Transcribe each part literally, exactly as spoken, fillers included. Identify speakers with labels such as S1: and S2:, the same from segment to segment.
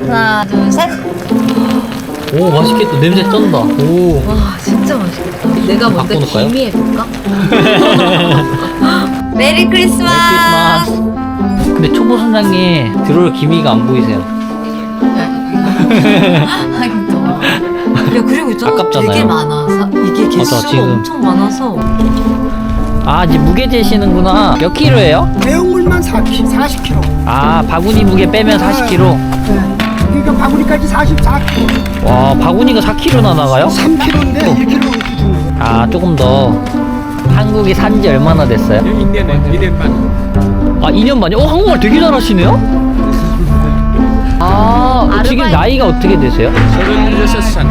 S1: 하나, 둘, 셋.
S2: 오, 맛있겠다. 냄새 쩐다. 오.
S1: 와, 진짜 맛있겠다. 내가 먼저
S2: 바꿔놓을까요?
S1: 기미 해볼까? 메리 크리스마스.
S2: 메리 크리스마스. 근데 초보 선장님 들어올 기미가 안 보이세요.
S1: 하긴 또. 야, 그리고 있잖아.
S2: 아깝잖아요.
S1: 되게 많아. 사, 이게 개수가
S2: 맞아, 지금.
S1: 엄청 많아서.
S2: 아, 이제 무게 재시는구나. 몇 킬로예요?
S3: 내용물만 사십 킬로그램.
S2: 아, 바구니 무게 빼면 사십 킬로그램.
S3: 네. 그러니까 바구니까지 사십사 킬로그램.
S2: 와, 바구니가 사 킬로그램나 나가요?
S3: 삼 킬로그램인데 일 킬로그램 주는 거.
S2: 아, 조금 더. 한국에 산 지 얼마나 됐어요?
S4: 이 년은 이 년 반.
S2: 아, 이 년 만이요? 어, 한국말 되게 잘하시네요? 아,
S1: 아르바이트.
S2: 지금 나이가 어떻게 되세요?
S4: 서른여섯 살.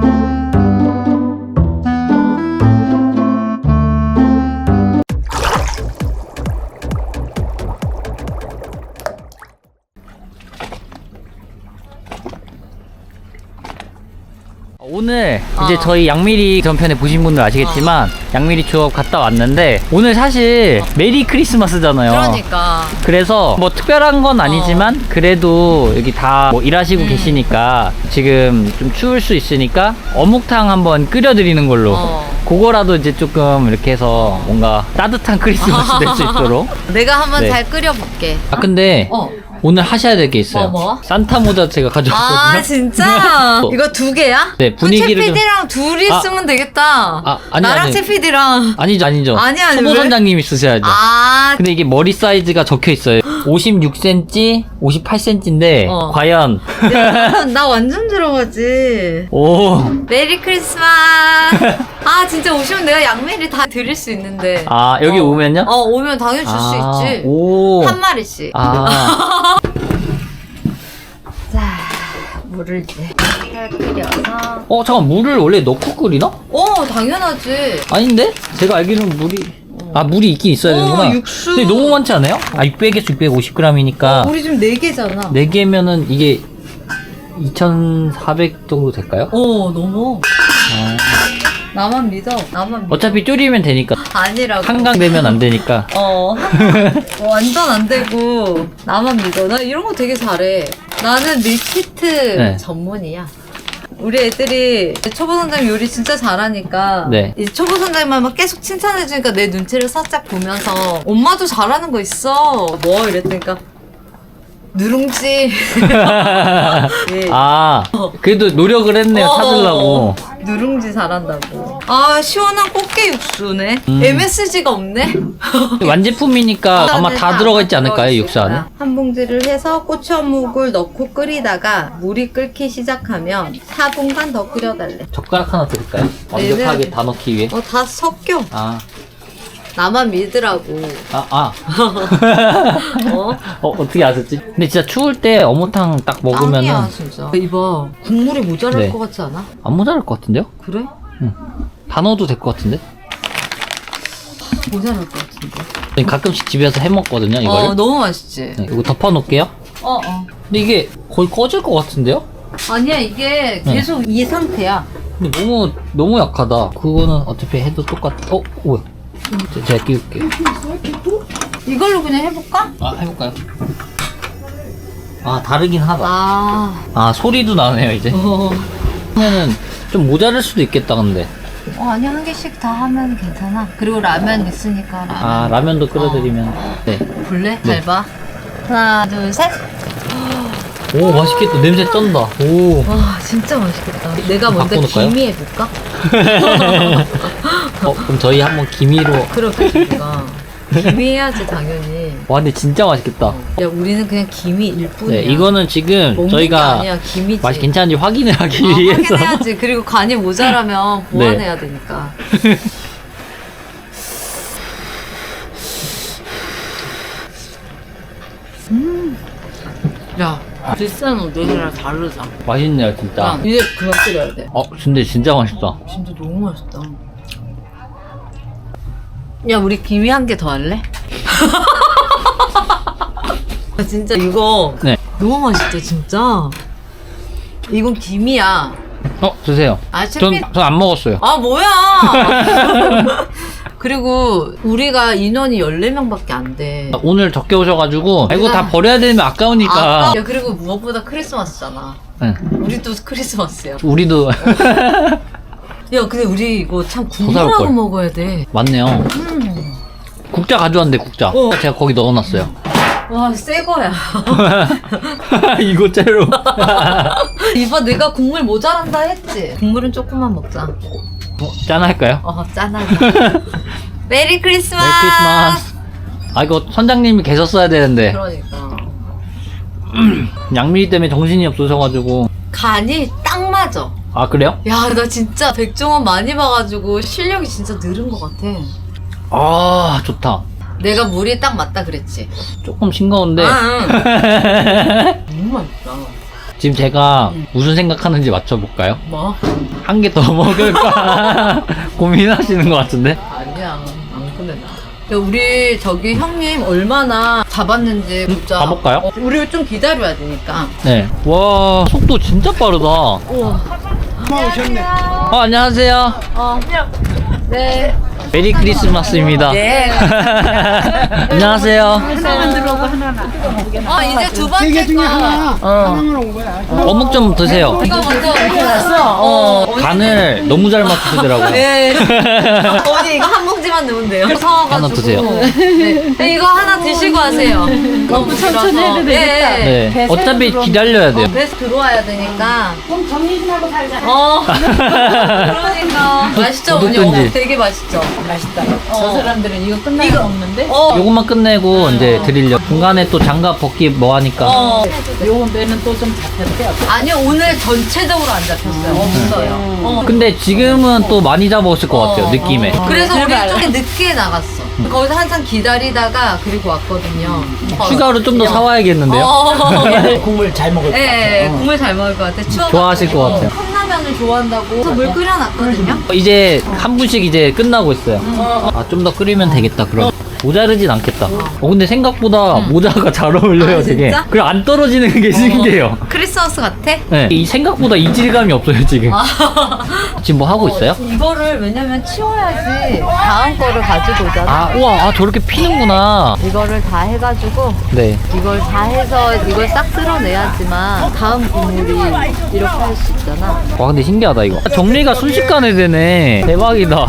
S2: 오늘 이제
S1: 어.
S2: 저희 양미리 전편에 보신 분들 아시겠지만 양미리 추억 갔다 왔는데 오늘 사실 메리 크리스마스잖아요.
S1: 그러니까.
S2: 그래서 뭐 특별한 건 아니지만 그래도 여기 다 뭐 일하시고
S1: 음.
S2: 계시니까 지금 좀 추울 수 있으니까 어묵탕 한번 끓여드리는 걸로
S1: 어.
S2: 그거라도 이제 조금 이렇게 해서 뭔가 따뜻한 크리스마스 될 수 있도록.
S1: 내가 한번
S2: 네.
S1: 잘 끓여볼게.
S2: 아 근데
S1: 어.
S2: 오늘 하셔야 될 게 있어요.
S1: 뭐, 뭐?
S2: 산타 모자 제가 가져왔거든요.
S1: 아, 진짜?
S2: 어.
S1: 이거 두 개야?
S2: 네, 분위기를
S1: 채
S2: 좀-
S1: 피디랑 둘이
S2: 아.
S1: 쓰면 되겠다.
S2: 아, 아니,
S1: 나랑
S2: 아니.
S1: 채 피디랑.
S2: 아니죠, 아니죠.
S1: 아니, 아니,
S2: 초보
S1: 왜?
S2: 선장님이 쓰셔야죠.
S1: 아,
S2: 근데 이게 머리 사이즈가 적혀 있어요. 오십육 센티미터, 오십팔 센티미터인데
S1: 어.
S2: 과연
S1: 야, 나 완전 들어가지.
S2: 오.
S1: 메리 크리스마스. 아, 진짜 오시면 내가 양메리 다 드릴 수 있는데.
S2: 아, 여기
S1: 어.
S2: 오면요?
S1: 어, 오면 당연히 줄 수
S2: 아,
S1: 있지.
S2: 오.
S1: 한 마리씩.
S2: 아.
S1: 자, 물을 이제 잘 끓여서.
S2: 어, 잠깐 물을 원래 넣고 끓이나?
S1: 어, 당연하지.
S2: 아닌데? 제가 알기로는 물이 아, 물이 있긴 있어야
S1: 어,
S2: 되는구나.
S1: 육수.
S2: 근데 너무 많지 않아요? 아, 육백에서 육백오십 그램이니까
S1: 우리 지금 네 개잖아.
S2: 네 개면은 이게 이천사백 정도 될까요?
S1: 어, 너무.
S2: 아.
S1: 나만 믿어. 나만 믿어.
S2: 어차피 줄이면 되니까.
S1: 아니라고.
S2: 한강 되면 안 되니까.
S1: 어, 어, 완전 안 되고 나만 믿어. 나 이런 거 되게 잘해. 나는 밀키트
S2: 네.
S1: 전문이야. 우리 애들이 초보 선생님 요리 진짜 잘하니까
S2: 네.
S1: 이제 초보 선생님만 계속 칭찬해주니까 내 눈치를 살짝 보면서 엄마도 잘하는 거 있어 뭐 이랬더니까 누룽지 예.
S2: 아, 그래도 노력을 했네요,
S1: 어,
S2: 찾으려고.
S1: 누룽지 잘한다고. 아, 시원한 꽃게 육수네.
S2: 음.
S1: 엠에스지가 없네.
S2: 완제품이니까 아마 다 들어가 있지 않을까요,
S1: 들어있을
S2: 육수 안에?
S1: 거야. 한 봉지를 해서 고추어묵을 넣고 끓이다가 물이 끓기 시작하면 사 분간 더 끓여달래.
S2: 젓가락 하나 드릴까요? 완벽하게
S1: 얘는-
S2: 다 넣기 위해.
S1: 어, 다 섞여.
S2: 아,
S1: 나만 믿으라고.
S2: 아, 아.
S1: 어?
S2: 어, 어떻게 아셨지? 근데 진짜 추울 때 어묵탕 딱 먹으면은
S1: 짱이야, 진짜. 이봐, 국물이 모자랄
S2: 네.
S1: 것 같지 않아?
S2: 안 모자랄 것 같은데요?
S1: 그래?
S2: 다 넣어도 될 것 같은데?
S1: 모자랄 것 같은데.
S2: 저희 가끔씩 집에서 해 먹거든요, 이거를.
S1: 어, 너무 맛있지?
S2: 네, 이거 덮어 놓을게요.
S1: 어, 어.
S2: 근데 이게 거의 꺼질 것 같은데요?
S1: 아니야, 이게
S2: 네.
S1: 계속 이 상태야.
S2: 근데 너무 너무 약하다. 그거는 어차피 해도 똑같. 어, 뭐야? 제- 제가 끼울게요.
S1: 이걸로 그냥 해볼까?
S2: 아, 해볼까요? 아, 다르긴 하다.
S1: 아,
S2: 아, 소리도 나네요, 이제.
S1: 어.
S2: 그러면은 좀 모자랄 수도 있겠다, 근데.
S1: 어, 아니, 한 개씩 다 하면 괜찮아. 그리고 라면 있으니까 라면.
S2: 아, 라면도 끓여드리면. 네.
S1: 볼래?
S2: 네.
S1: 잘 봐. 하나, 둘, 셋.
S2: 오, 맛있겠다. 냄새 쩐다. 오.
S1: 와, 진짜 맛있겠다. 내가 먼저
S2: 바꿔놓을까요?
S1: 기미 해볼까?
S2: 어, 그럼 저희 한번 기미로.
S1: 그렇게 좋다. 기미 해야지, 당연히.
S2: 와, 근데 진짜 맛있겠다.
S1: 야, 우리는 그냥 기미일 뿐이야.
S2: 네, 이거는 지금
S1: 먹는
S2: 저희가
S1: 게 아니야, 기미지.
S2: 맛이 괜찮은지 확인을 하기
S1: 어,
S2: 위해서.
S1: 확인해야지. 그리고 간이 모자라면
S2: 네.
S1: 보완해야 되니까. 음. 야, 비싼 우동이랑 다르다.
S2: 맛있네요, 진짜.
S1: 야, 이제 그만 끓여야 돼.
S2: 어, 근데 진짜 맛있다.
S1: 진짜 너무 맛있다. 야, 우리 기미 한 개 더 할래? 아, 진짜 이거
S2: 네.
S1: 너무 맛있다, 진짜. 이건 기미야.
S2: 어, 드세요.
S1: 아,
S2: 전,
S1: 채피...
S2: 전 안 먹었어요.
S1: 아, 뭐야! 그리고 우리가 인원이 열네 명밖에 안 돼.
S2: 오늘 적게 오셔가지고 아, 이거 다 버려야 되면 아까우니까.
S1: 아까, 야, 그리고 무엇보다 크리스마스잖아.
S2: 응.
S1: 우리도 크리스마스야.
S2: 우리도
S1: 야, 근데 우리 이거 참
S2: 사올
S1: 국물하고
S2: 걸.
S1: 먹어야 돼.
S2: 맞네요.
S1: 음.
S2: 국자 가져왔는데 국자.
S1: 어.
S2: 제가 거기 넣어놨어요.
S1: 와, 새 거야.
S2: 이거 째로.
S1: 이봐, 내가 국물 모자란다 했지? 국물은 조금만 먹자.
S2: 어, 짠할까요?
S1: 어, 짠하게. 메리 크리스마스!
S2: 메리 크리스마스. 아 이거 선장님이 계셨어야 되는데
S1: 그러니까.
S2: 양미리 때문에 정신이 없어져가지고.
S1: 간이 딱 맞아.
S2: 아 그래요?
S1: 야, 나 진짜 백종원 많이 봐가지고 실력이 진짜 늘은 것 같아.
S2: 아 좋다.
S1: 내가 물이 딱 맞다 그랬지?
S2: 조금 싱거운데.
S1: 아, 응. 너무 맛있다.
S2: 지금 제가 무슨 생각하는지 맞춰볼까요?
S1: 뭐?
S2: 한 개 더 먹을까 고민하시는 것 같은데.
S1: 아니야, 안 꺼내. 야, 우리 저기 형님 얼마나 잡았는지 보자.
S2: 가볼까요?
S1: 어, 우리 좀 기다려야 되니까.
S2: 네. 와 속도 진짜 빠르다.
S1: 우와.
S3: 엄마 오셨네.
S2: 어 안녕하세요.
S1: 어. 네.
S2: 메리 크리스마스입니다.
S1: 네.
S2: 안녕하세요.
S3: 하나만 들어오고 하나는.
S1: 어, 이제 두
S3: 세
S1: 번째
S3: 개 중에
S1: 거.
S3: 하나.
S2: 어.
S3: 하나만 온 거야.
S2: 어묵 좀 드세요.
S1: 이거 먼저 왔어. 어.
S2: 간을 너무 잘 맞추시더라고요.
S1: 네. 언니 이거 한 봉지만 넣으면 돼요. 사와가지고.
S2: 하나 드세요.
S1: 네. 이거 하나 드시고 하세요. 너무 천천히 해도 되겠다.
S2: 네.
S1: 네.
S2: 어차피 기다려야 돼요.
S1: 배에서 들어와야 되니까.
S3: 좀 정리 좀 하고 살자.
S1: 어. 그러니까. 맛있죠, 언니?
S2: 어묵든지.
S1: 어묵 되게 맛있죠.
S5: 맛있다.
S1: 어.
S5: 저 사람들은 이거 끝나고
S1: 이거-
S5: 먹는데
S1: 어.
S2: 요것만 끝내고 이제 드리려. 중간에 또 장갑 벗기 뭐 하니까.
S1: 어.
S5: 요 배는 또 좀 잡혔대.
S1: 아니요, 오늘 전체적으로 안 잡혔어요. 없어요. 어.
S2: 근데 지금은 또 많이 잡았을 것 같아요.
S1: 어,
S2: 느낌에.
S1: 어. 그래서 우리
S5: 제발.
S1: 좀 늦게 나갔어. 거기서 한참 기다리다가 그리고 왔거든요.
S2: 추가로 좀 더 사와야겠는데요.
S1: 어.
S5: 국물 잘 먹을 것
S1: 네,
S5: 같아.
S1: 국물 잘 먹을 것 같아. 추워.
S2: 좋아하실 것 같아요.
S1: 컵라면을 좋아한다고. 그래서 물 끓여놨거든요.
S2: 이제 한 분씩 이제 끝나고 있어요. 아, 좀 더 끓이면 되겠다, 그럼. 모자르진 않겠다. 어, 근데 생각보다 모자가 잘 어울려요,
S1: 아,
S2: 되게.
S1: 진짜?
S2: 그리고 안 떨어지는 게 신기해요.
S1: 크리스마스 같아?
S2: 네. 이 생각보다 이질감이 없어요, 지금.
S1: 아.
S2: 지금 뭐 하고 있어요?
S1: 이거를 왜냐면 치워야지 다음 거를 가지고 오잖아.
S2: 아, 우와, 아, 저렇게 피는구나.
S1: 이거를 다 해가지고
S2: 네.
S1: 이걸 다 해서 이걸 싹 쓸어내야지만 다음 국물이 이렇게 할 수 있잖아.
S2: 와, 근데 신기하다, 이거. 정리가 순식간에 되네. 대박이다.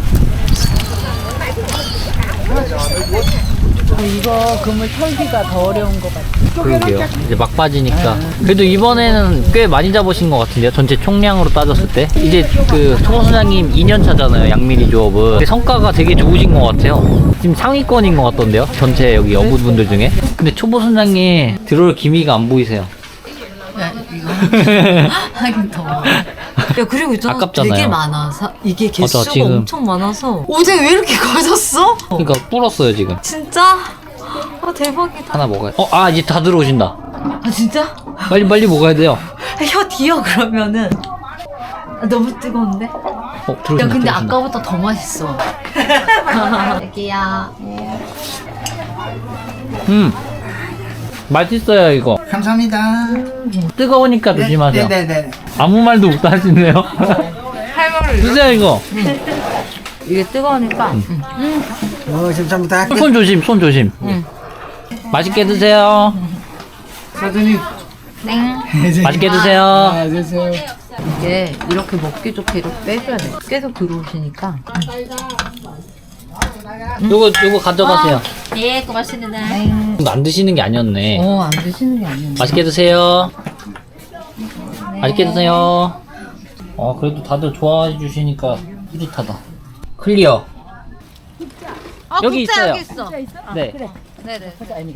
S5: 이거 그물 털기가 더 어려운 것 같아.
S2: 그러게요. 이제 막 빠지니까. 그래도 이번에는 꽤 많이 잡으신 것 같은데요. 전체 총량으로 따졌을 때. 이제 그 초보 소장님 이 년 차잖아요. 양미리 조업은. 근데 성과가 되게 좋으신 것 같아요. 지금 상위권인 것 같던데요. 전체 여기 어부분들 중에. 근데 초보 소장님 들어올 기미가 안 보이세요.
S1: 야, 이거 하긴 더워. 야, 그리고 있잖아.
S2: 아깝잖아요.
S1: 되게 많아. 사, 이게 개수가
S2: 맞아, 지금.
S1: 엄청 많아서. 어제 왜 이렇게 커졌어?
S2: 그러니까 불었어요 지금.
S1: 진짜? 아, 대박이다.
S2: 하나 먹어요. 어, 아 이제 다 들어오신다.
S1: 아, 진짜?
S2: 빨리 빨리 먹어야 돼요.
S1: 아, 혀 뒤어 그러면은. 아, 너무 뜨거운데? 야,
S2: 어, 들어오신다.
S1: 근데
S2: 들어오신다.
S1: 아까보다 더 맛있어. 여기야.
S2: 음. 맛있어요 이거.
S3: 감사합니다.
S2: 뜨거우니까 조심하세요.
S3: 네네네.
S2: 아무 말도 못 하시네요.
S1: 할머니.
S2: 드세요 이거.
S1: 이게 뜨거우니까. 응.
S3: 어, 감사합니다.
S2: 손 조심, 손 조심. 맛있게 드세요.
S3: 사장님.
S1: 땡.
S2: 맛있게 드세요.
S3: 아, 드세요.
S1: 이게 이렇게 먹기 좋게 이렇게 빼줘야 돼. 계속 들어오시니까.
S2: 요거 요거 가져가세요.
S5: 예, 고맙습니다.
S1: 땡.
S2: 이거 안 드시는 게 아니었네.
S1: 어, 안 드시는 게 아니야.
S2: 맛있게 드세요. 맛있게 드세요. 어, 그래도 다들 좋아해 주시니까 뿌듯하다. 클리어.
S1: 어,
S2: 여기
S1: 국자
S2: 있어요.
S1: 여기 있어.
S2: 네.
S1: 네네.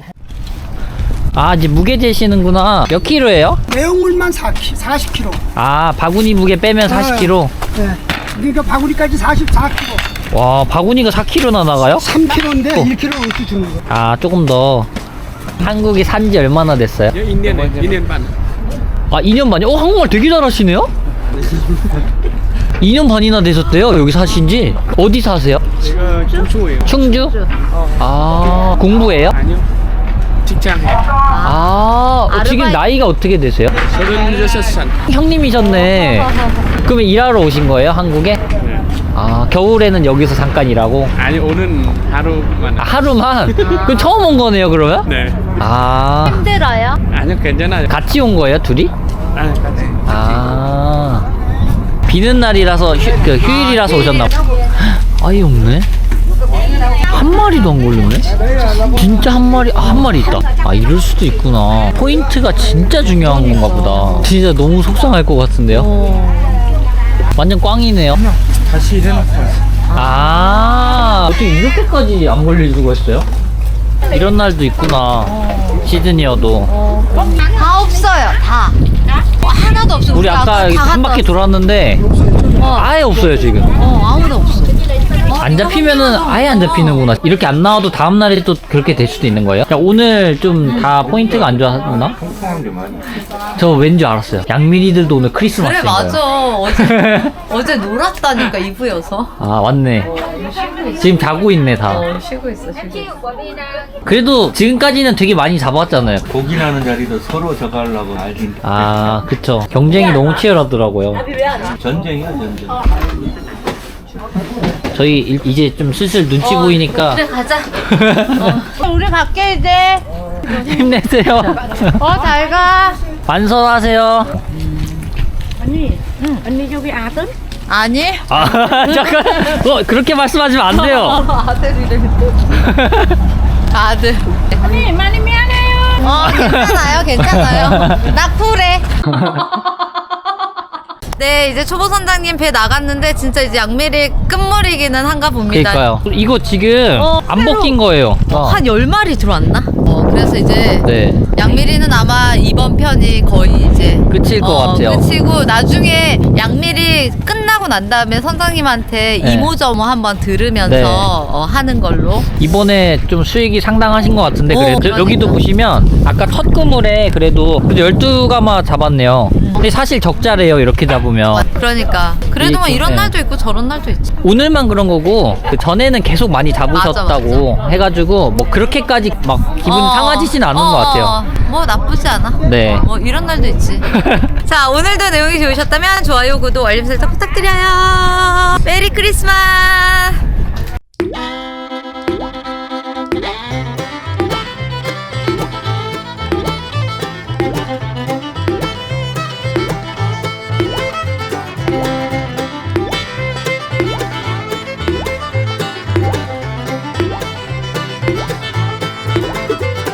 S2: 아, 이제 무게 재시는구나. 몇 킬로예요?
S3: 내용물만 사 킬로그램, 사십 킬로그램.
S2: 아, 바구니 무게 빼면 사십 킬로그램.
S3: 네. 그러니까 바구니까지 사십사 킬로그램.
S2: 와, 바구니가 사 킬로그램나 나가요?
S3: 삼 킬로그램인데
S2: 어.
S3: 일 킬로그램 이렇게 주는 거야.
S2: 아, 조금 더. 한국에 산지 얼마나 됐어요?
S4: Nhớ in niên này, in niên bạn.
S2: 아, 이 년 만이요? 어, 한국말 되게 잘하시네요? 이 년 반이나 되셨대요, 여기 사신지. 어디 사세요?
S4: Ờ, chúng chui.
S2: 충주? 아, 공부해요?
S4: Año. 직장에.
S2: 아, 어, 지금
S1: 아르바이트.
S2: 나이가 어떻게 되세요?
S4: 서른여섯 살.
S2: 형님이셨네. 그러면 일하러 오신 거예요, 한국에?
S4: 네.
S2: 아 겨울에는 여기서 잠깐 일하고
S4: 아니 오는 하루만.
S2: 아, 하루만? 그럼 처음 온 거네요 그러면?
S4: 네.
S2: 아
S5: 힘들어요?
S4: 아니요 괜찮아요.
S2: 같이 온 거예요 둘이?
S4: 아, 같이.
S2: 아 비는 날이라서 휴, 그 휴일이라서 오셨나 봐. 아예 없네. 한 마리도 안 걸렸네. 진짜 한 마리 아, 한 마리 있다. 아 이럴 수도 있구나. 포인트가 진짜 중요한 건가 보다. 진짜 너무 속상할 것 같은데요. 완전 꽝이네요.
S4: 다시 일해놓고 왔어.
S2: 아 어떻게 이렇게까지 안 걸릴 수가 있어요? 이런 날도 있구나. 시드니여도.
S1: 다 없어요. 다. 어, 하나도 없어.
S2: 우리 아까
S1: 다
S2: 한
S1: 갔다
S2: 바퀴 돌았는데
S1: 어.
S2: 아예 없어요 지금.
S1: 어, 아무도 없어.
S2: 안 잡히면은 아예 안 잡히는구나. 이렇게 안 나와도 다음 날에 또 그렇게 될 수도 있는 거예요? 야, 오늘 좀 다 포인트가 안 좋았나? 저 왠지 알았어요. 양미리들도 오늘
S1: 그래
S2: 크리스마스인
S1: 맞아.
S2: 거예요.
S1: 어제 어제 놀았다니까 이브여서.
S2: 아 맞네. 지금 자고 있네 다.
S1: 어 쉬고 있어 쉬고 있어.
S2: 그래도 지금까지는 되게 많이 잡았잖아요.
S6: 고기 나는 자리도 서로 저가려고 알긴
S2: 아 그쵸. 경쟁이 너무 치열하더라고요.
S6: 전쟁이야 전쟁.
S2: 저희 일- 이제 좀 슬슬 눈치 보이니까
S1: 그래 가자.
S5: 우리 갈게 이제.
S2: 힘내세요.
S5: 어, 잘 가.
S2: 완선하세요.
S5: 언니, 응, 언니 저기 아들?
S1: 아니.
S2: 아 잠깐. 어 그렇게 말씀하시면 안 돼요.
S1: 아들 이름이 아들.
S5: 언니 많이 미안해요.
S1: 어 괜찮아요 괜찮아요. 나 쿨해. 네 이제 초보 선장님 배 나갔는데 진짜 이제 양미리 끝물이기는 한가 봅니다.
S2: 그러니까요. 이거 지금
S1: 어,
S2: 안 벗긴 거예요. 어.
S1: 한 열 마리 들어왔나? 어 그래서 이제
S2: 네.
S1: 양미리는 아마 이번 편이 거의 이제
S2: 끝일 것
S1: 어,
S2: 같아요.
S1: 끝이고 나중에 양미리 끝나고 난 다음에 선장님한테
S2: 네.
S1: 이모저모 한번 들으면서
S2: 네.
S1: 어, 하는 걸로.
S2: 이번에 좀 수익이 상당하신 것 같은데
S1: 어,
S2: 그래도
S1: 그러니까.
S2: 여기도 보시면 아까 첫 그물에 그래도 그래도 열두 가마 잡았네요. 근데 사실 적자래요 이렇게 잡으면.
S1: 그러니까 그래도 뭐
S2: 이-
S1: 이런
S2: 네.
S1: 날도 있고 저런 날도 있지.
S2: 오늘만 그런 거고 그 전에는 계속 많이 잡으셨다고
S1: 맞아,
S2: 해가지고 뭐 그렇게까지 막 기분
S1: 어.
S2: 상하지진 않은
S1: 어,
S2: 것 같아요.
S1: 어, 뭐 나쁘지 않아.
S2: 네.
S1: 뭐 이런 날도 있지. 자 오늘도 내용이 좋으셨다면 좋아요, 구독, 알림 설정 부탁드려요. 메리 크리스마스.